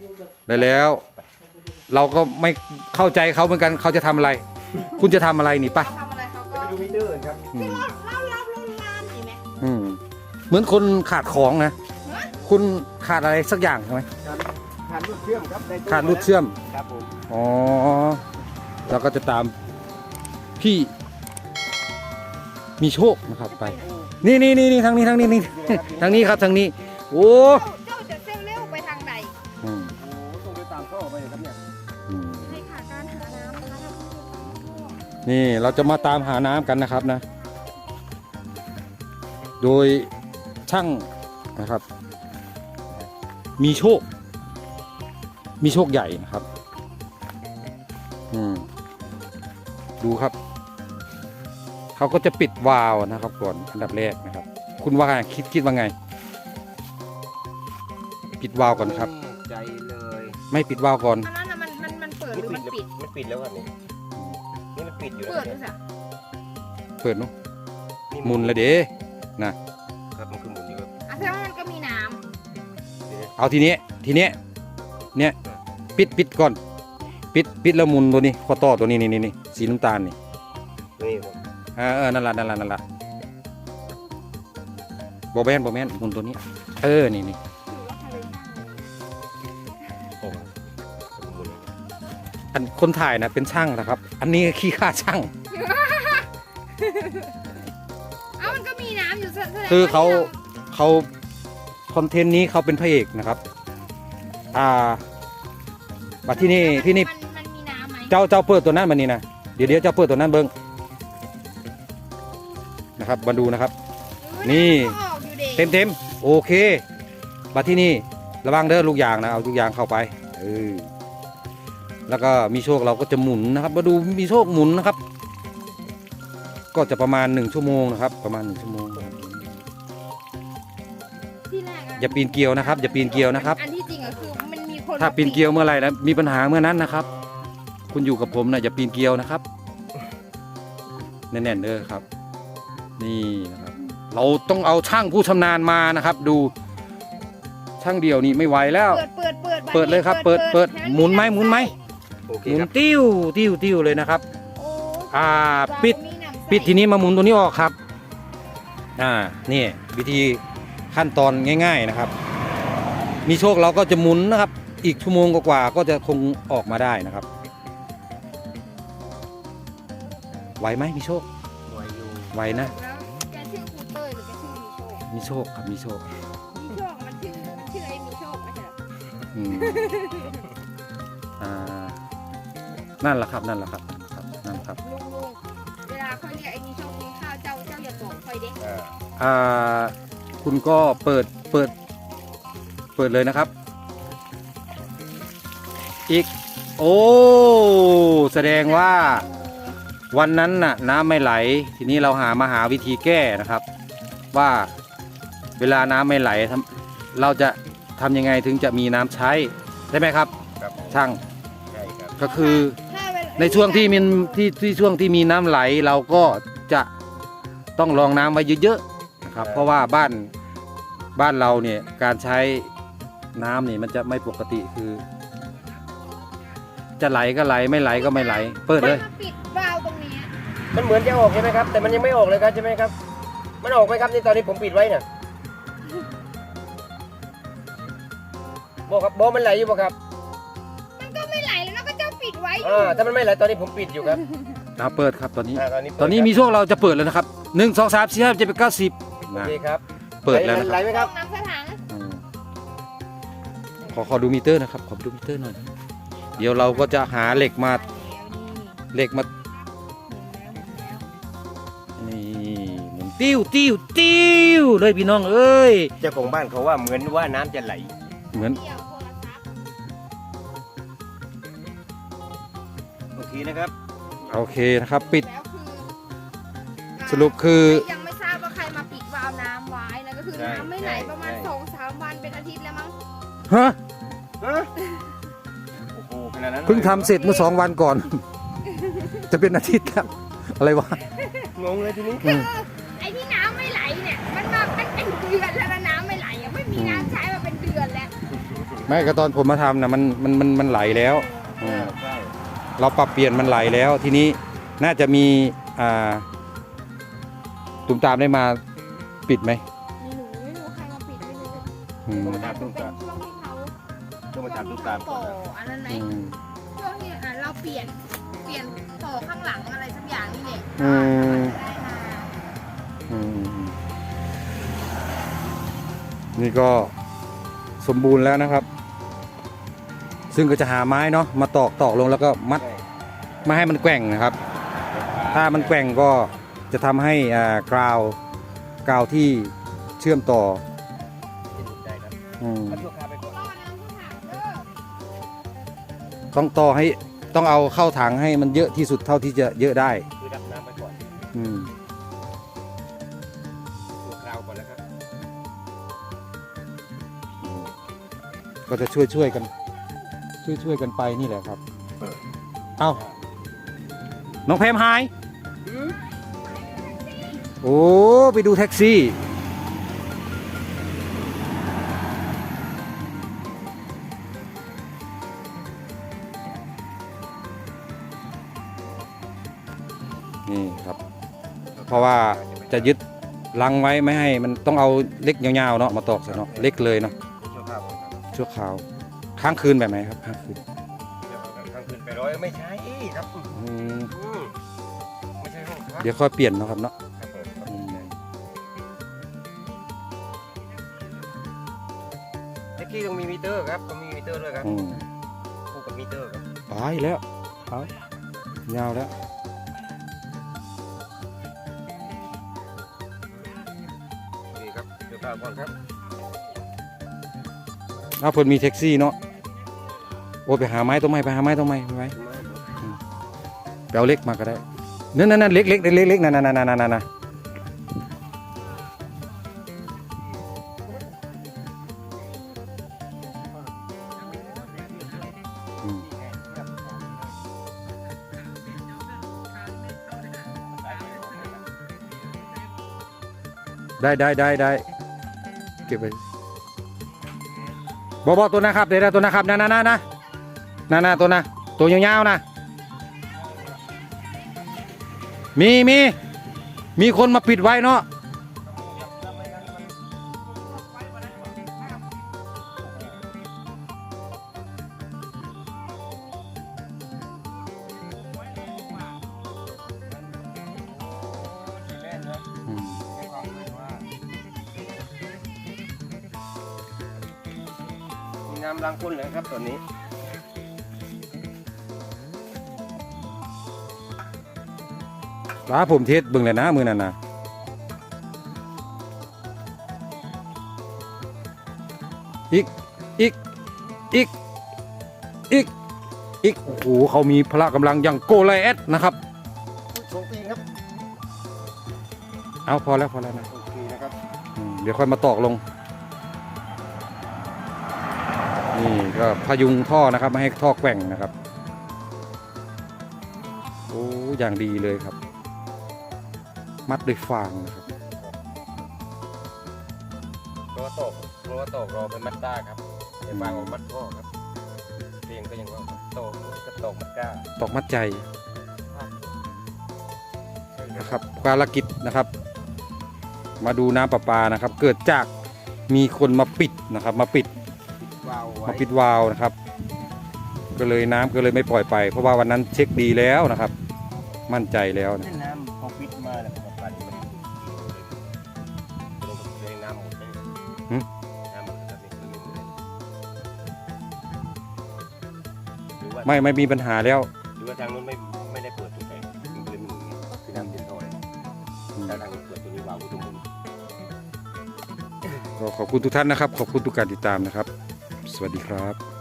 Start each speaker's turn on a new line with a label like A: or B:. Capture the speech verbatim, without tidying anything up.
A: ได้แล้ว เราก็ไม่เข้าใจเขาเหมือนกันเขาจะทำอะไร คุณจะทำอะไรนี่ปะ
B: เขาทำอะไรเขาก็
C: ไปดูมิเตอร์ครับ
A: อืม
B: เล่าเล่าเล่าเล่าลานเห็นไหม
A: อืมเหมือนคนขาดของนะ คุณขาดอะไรสักอย่างใช่ไหม
C: ขาดรูดเชื่อมครับได้ตู้
A: ขาดรูดเชื่อม
C: ครับผม
A: อ๋อเราก็จะตามพี่มีโชคนะครับไป นี่นี่นี่นี่ทางนี้ทางนี้นี่ ทางนี้ครับทางนี้ โอ้
B: เจ้าจะเซลเร็วไปทางใด
A: อืม
C: โอ้ต้องไปตามท่อไปครับเนี่ย
A: อืม
B: ในขาการหาน้ำนะคะ
A: นี่เราจะมาตามหาน้ำกันนะครับนะ โดยช่างนะครับ มีโชค มีโชคใหญ่นะครับ อืมดูครับ เขาก็จะปิดวาล์วนะครับก่อนอันดับแรกนะครับ คุณว่าไงคิดคิดว่าไง ปิดวาล์วก่อนครับ
C: ใจเลย
A: ไม่ปิดวาล์วก่อน
B: อันนั้นน่ะมันมันมันเปิดหรือมันปิด
C: มันปิดแล้วครับนี่นี่มันปิดอยู่
B: เปิด
C: แล้
B: ด้
C: ว
B: วยสิ
A: เปิดเนาะ
C: นี่
A: หมุนละเด้นะ
C: ครับมันคือหมุนนี่ครับ
B: อ่ะแสดงว่ามันก็มีน้
A: เอาทีนี้ทีเนี้ยเนี่ยปิดปิดก่อน ปิดปิดแล้วหมุนตัวนี้ข้อต่อตัวนี้นี่นี่นี่สีน้ำตาลนี่
C: นี่ครับ
A: เออเออนั่นละนั่นละนั่นละบอแมนบอแมนหมุนตัวนี้ เออนี่นี่
B: ำถือว่าทะเลน้
C: โอ้หมุน
A: อันคนถ่ายนะเป็นช่างนะครับ อันนี้ขี้ข้าช่าง
B: ำเอ้ามันก็มีน้ำอยู่แสดงว่
A: คือเขา
B: ที่ร
A: เขาคอนเทนต์นี้เขาเป็นพระเอกนะครับ อ่าบัดที่นี่ที่นี่
B: มันมันมีน้ำไหม
A: เจ้าเจ้าเปิดตัวนั้นมานี่นะเดี๋ยวเดี๋ยวเจ้าเปิดตัวนั้นเบิ้งนะครับมาดูนะครับ นี่
B: ำก็ออกอยู่ด็ก
A: เต็มเต็มโอเคมาที่นี่ระวังเด้อลูกยางนะเอาลูกยางเข้าไปเออแล้วก็มีโชคเราก็จะหมุนนะครับมาดูมีโชคหมุนนะครับ ก็จะประมาณหนึ่งชั่วโมงนะครับ ประมาณหนึ่งชั่วโมงนะครับ
B: ที่แรกะ
A: อย่าปีนเกลียวนะครับอย่าปีนเกลียวนะครับ
B: อันที่จริงอะคือมันมีคน
A: ถ้าปีนเกลียวเมื่อไหร่นะมีปัญหาเมื่อนั้นนะครับ คุณอยู่กับผมนะอย่าปีนเกลียวนะครับแน่นๆเด้อครับ นี่นะครับ เราต้องเอาช่างผู้ชำนาญมานะครับ ดูช่างเดียวนี่ไม่ไหวแล้ว
B: เปิดเปิดเปิด
A: เปิดเลยครับเปิดเปิดหมุนไหมหมุนไหม
C: โอเค
A: หมุน
C: ครับ
A: ติ้วติ้วติ้วเลยนะครับ
B: โอ้
A: อ่า
B: เรา
A: ปิด
B: มีน้ำใส
A: ปิดทีนี้มาหมุนตัวนี้ออกครับ อ่า นี่วิธีขั้นตอนง่าย ๆนะครับ มีโชคเราก็จะหมุนนะครับ อีกชั่วโมงกว่าๆก็จะคงออกมาได้นะครับ ไหวไหมมีโชค
C: ไวอยู่
A: ไหวนะ
B: แล้วแกชื่อครูเต้ยหรือแกชื่อมีโชค
A: มีโชคครับ มีโชค
B: มีโชคมันชื่อมันชื่อไอ้มีโชคไม่ใช่เหรอ
A: อืมอ่า นั่นแหละครับ นั่นแหละครับ ครับ นั่นครับ
B: ลุงลุงเวลาเขาเรียกไอ้มีโชคมีข้าวเจ้าเจ้าอย่าตกคอยเด้
C: อ่า
A: อ่า คุณก็เปิด เปิด เปิดเลยนะครับ อีก โอ้ แสดงว่าวันนั้นน่ะน้ำไม่ไหล ทีนี้เราหามาหาวิธีแก้นะครับ ว่าเวลาน้ำไม่ไหลทำเราจะทำยังไงถึงจะมีน้ำใช้ได้ไหมครับ
C: ครับผม
A: ช่าง
C: ใช่ครับ
A: ก็คือ
B: ถ้าเวลา
A: ในช่วงที่มีที่ที่ช่วงที่มีน้ำไหลเราก็จะต้องรองน้ำไว้เยอะๆนะครับ เพราะว่าบ้านบ้านเราเนี่ยการใช้น้ำเนี่ยมันจะไม่ปกติคือ จะไหลก็ไหลไม่ไหลก็ไม่ไหล เปิดเลย
B: มาปิดวาล์วตรงนี้
C: มันเหมือนจะออกใช่ไหมครับ แต่มันยังไม่ออกเลยครับใช่ไหมครับ มันออกไหมครับนี่ตอนนี้ผมปิดไว้น่ะบอกครับบอกมันไหลอยู่ป่ะครับ
B: มันก็ไม่ไหลแล้วนะก็เจ้าปิดไว้อยู่
C: อ่าถ้ามันไม่ไหลตอนนี้ผมปิดอยู่ครับ
A: เราเปิดครับตอนนี้
C: อ่าตอนนี้เปิด
A: ตอนนี้มีช่วงเราจะเปิดแล้วนะครับหนึ่งสองสามสี่ห้าเจ็ดแปดเก้าสิบ
C: โอ
A: นะ
C: เคครับ
A: เปิดแล้วนะค
C: ไหล
A: รับ
C: ไหมครับ
B: น้ำสถัง
A: อืมขอขอดูมิเตอร์นะครับ ขอดูมิเตอร์หน่อย เดี๋ยวเราก็จะหาเหล็กมาเหล็กมานี่หมุนติ้วติ้วติ้วเลยพี่น้องเอ้ย
C: เจ้าของบ้านเขาว่าเหมือนว่าน้ำจะไหล
A: เหมือน
B: เกี่ยวโทรศัพท์
C: โอเคนะครับ
A: โอเคนะครับ ปิด
B: แล้วคือ
A: สรุปคือ
B: ยังไม่ทราบว่าใครมาปิดวาล์วน้ำไว้นะก็คือ
C: ใช่
B: น้ำไม่ไหล
C: ใช่
B: ประมาณ
C: ใช่
B: สองสามวันเป็นอาทิตย์แล้วมั้ง
A: ฮะ
C: ฮะโอ้โหขนาดนั้นลย
A: เพิ่งทำเสร็จเมื่อสองวันก่อน จะเป็นอาทิตย์แล้วอะไรวะ
C: งงเลยทีนี้
A: อืม
B: ไอ้ที่น้ำไม่ไหลเนี่ยมันมามันเป็นเดือนแล้วนะน้ำไม่ไหลยังไม่มีน้ำใช้มาเป็นเดือนแล้ว
A: ไม่ก็ตอนผมมาทำนะมันมันมันมันไหลแล้วอืม
C: ใช่
A: เราปรับเปลี่ยนมันไหลแล้ว ทีนี้น่าจะมีอ่าตุ่มตามได้มาปิดไหม
B: มีหนูไม่รู้ใครมาปิดไม่รู้
A: อืม
C: ต้องมาถาม
B: มั
C: ตุ้
B: น
C: ม
B: เป็น
C: ตาม
B: ช่วงที่เขา
C: ต้องมาถามตุ้มตามก่
B: ต่
C: อ
B: อน
C: นะ
B: อันนั้นไหม
A: อืม
B: ช่วงที่อ่ะเราเปลี่ยนเปลี่ยนต่อข้างหลังอะไรสักอย่างนี่แหละ
A: อืม
B: ได้มา
A: อืมอืมนี่ก็สมบูรณ์แล้วนะครับ ซึ่งก็จะหาไม้เนาะมาตอกตอกลงแล้วก็มัด
C: ใช่
A: ไม่ให้มันแกว่งนะครับ ถ้ามันแกว่งก็จะทำให้อ่ากราวกราวที่เชื่อมต่อ
C: ได้ครับ
A: อืม
C: เอาชั่วคราวไปก่อน
B: รอน้ำผู้ถามเด้อ
A: ต้องต่อให้ต้องเอาเข้าถังให้มันเยอะที่สุดเท่าที่จะเยอะได้
C: คือดับน้ำไปก่อน
A: อืม
C: ชั่วคราวก่อนแล้วครับ
A: ก็จะช่วยช่วยๆกัน ช่วยช่วยๆกันไปนี่แหละครับ เอาน้องเพมหาย โอ้ ไปดูแท็กซี่ นี่ครับ เพราะว่าจะยึดลังไว้ไม่ให้มันต้องเอาเล็กยาวๆเนาะมาตอกซะเนาะเล็กเลยเนาะ
C: ชั่วคราวก่อนครับ
A: ชั่วคราวค้างคืนแบบไหนครับค้างคืน
C: เดี๋ยวกลางคืนไปร้อยไม่ใช่ครับ
A: อืม
C: อืมไม่ใช่ห้องพัก
A: เดี๋ยวค่อยเปลี่ยนเนาะครับเนาะ
C: ครับผมครับ
A: อืม
C: แท็กซี่ต้องมีมิเตอร์ครับต้องมีมิเตอร์ด้วยครับ
A: อืม
C: คู่กับมิเตอร์ครับ
A: ไปแล้วเอายาวแล้ว
C: นี่ครับเดี๋ยวกลางก่อนครับ
A: ถ้าเพิ่นมีแท็กซี่เนาะโอ้ไปหาไม้ต้นไม้ไปหาไม้ต้นไม้ไม้ไปเอาเล็กมาก็ได้นั่นนั่นนั่นเล็กเล็กเล็กเล็กนั่นนั่นนั่นนั่นนั่นอืมได้ได้ได้ได้เก็บไปบอบอตัวนะครับเดี๋ยวนะตัวนะครับนะนะนะนะนะนะตัวนะตัวยาวๆนะมีมีมีคนมาปิดไว้เนาะอืม
C: มีน้ำล้างก้นเลยครับตอนนี้
A: ร้าผมเทสเบิ่งเลยนะมือนั่นนะอีกอีกอีกอีกอีกโอ้โหเขามีพละกำลังอย่างโกไลแอดนะครับ
C: โชคดีครับ
A: เอาพอแล้วพอแล้วนะ
C: โอเคนะครับ
A: อืมเดี๋ยวค่อยมาตอกลงนี่ก็พยุงท่อนะครับไม่ให้ท่อแกว่งนะครับโอ้อย่างดีเลยครับ มัดด้วยฟางนะครับ
C: รอตกรอตกรอเป็นมัดด้าครับเดี๋ยวฟางออกมัดพ่อครับเพียงก็ยังว่าโตกก็ตกมัดด้า
A: ตอกมัดใจนะครับภารกิจนะครับ มาดูน้ำประปานะครับ เกิดจากมีคนมาปิดนะครับ มาปิด
C: ปิดวาล์วไว้
A: มาปิดวาล์วนะครับ ก็เลยน้ำก็เลยไม่ปล่อยไป เพราะว่าวันนั้นเช็คดีแล้วนะครับ มั่นใจแล้วนะ
C: น้ำพอปิดมาแล้วก็ปั่นมันเลยน้ำหมดเลยน้ำหมดแล้วก็เป็นเลยหรือว่า
A: ไม่ไม่มีปัญหาแล้ว
C: หรือว่าทางนู้นไม่ไม่ได้เปิดจุดไหนมันเลยหมุนไงคือน้ำเต็มท่อเลยถ้าทางนู้นเปิดตัวนี้วาล์วก็ต้องหมุน
A: ก็ขอบคุณทุกท่านนะครับ ขอบคุณทุกการติดตามนะครับ สวัสดีครับ